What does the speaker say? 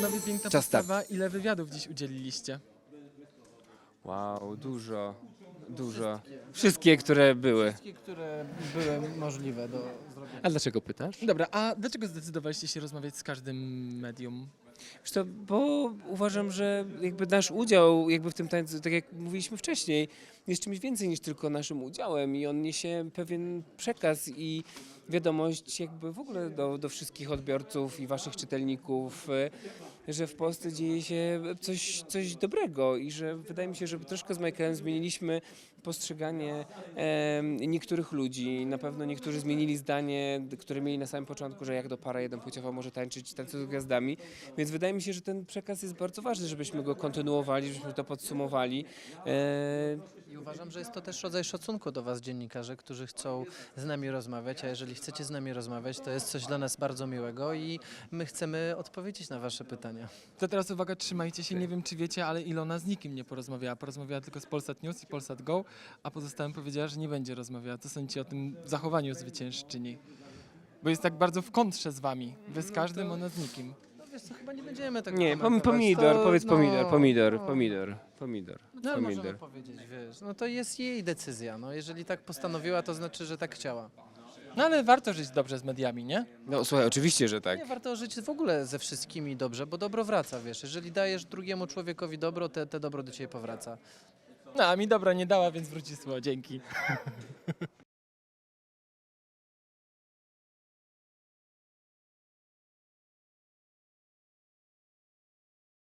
Panowie, piękna Czas start. postawa. Ile wywiadów dziś udzieliliście? Wow, dużo. Wszystkie, które były. Wszystkie, które były możliwe do zrobienia. A dlaczego pytasz? Dobra, a dlaczego zdecydowaliście się rozmawiać z każdym medium? Wiesz co, bo uważam, że jakby nasz udział jakby w tym tańcu, tak jak mówiliśmy wcześniej, jest czymś więcej niż tylko naszym udziałem i on niesie pewien przekaz i wiadomość jakby w ogóle do wszystkich odbiorców i waszych czytelników, że w Polsce dzieje się coś dobrego i że wydaje mi się, że troszkę z Michaelem zmieniliśmy postrzeganie niektórych ludzi. Na pewno niektórzy zmienili zdanie, które mieli na samym początku, że jak do para jednopłciowa może tańczyć Tańcu z Gwiazdami. Więc wydaje mi się, że ten przekaz jest bardzo ważny, żebyśmy go kontynuowali, żebyśmy to podsumowali. I uważam, że jest to też rodzaj szacunku do was, dziennikarze, którzy chcą z nami rozmawiać, a jeżeli chcecie z nami rozmawiać, to jest coś dla nas bardzo miłego i my chcemy odpowiedzieć na wasze pytania. To teraz uwaga, trzymajcie się. Nie wiem, czy wiecie, ale Ilona z nikim nie porozmawiała. Porozmawiała tylko z Polsat News i Polsat Go, a pozostałym powiedziała, że nie będzie rozmawiała. Co sądzicie o tym zachowaniu zwyciężczyni? Bo jest tak bardzo w kontrze z wami. Wy z każdym, ona z nikim. No wiesz co, chyba nie będziemy tego Nie, komentować. pomidor, To, powiedz no, pomidor. No ale możemy powiedzieć, wiesz, no to jest jej decyzja, no jeżeli tak postanowiła, to znaczy, że tak chciała. No ale warto żyć dobrze z mediami, nie? No słuchaj, oczywiście, że tak. Nie, warto żyć w ogóle ze wszystkimi dobrze, bo dobro wraca, wiesz, jeżeli dajesz drugiemu człowiekowi dobro, te dobro do ciebie powraca. No, a mi dobra nie dała, więc wróci słowo. Dzięki.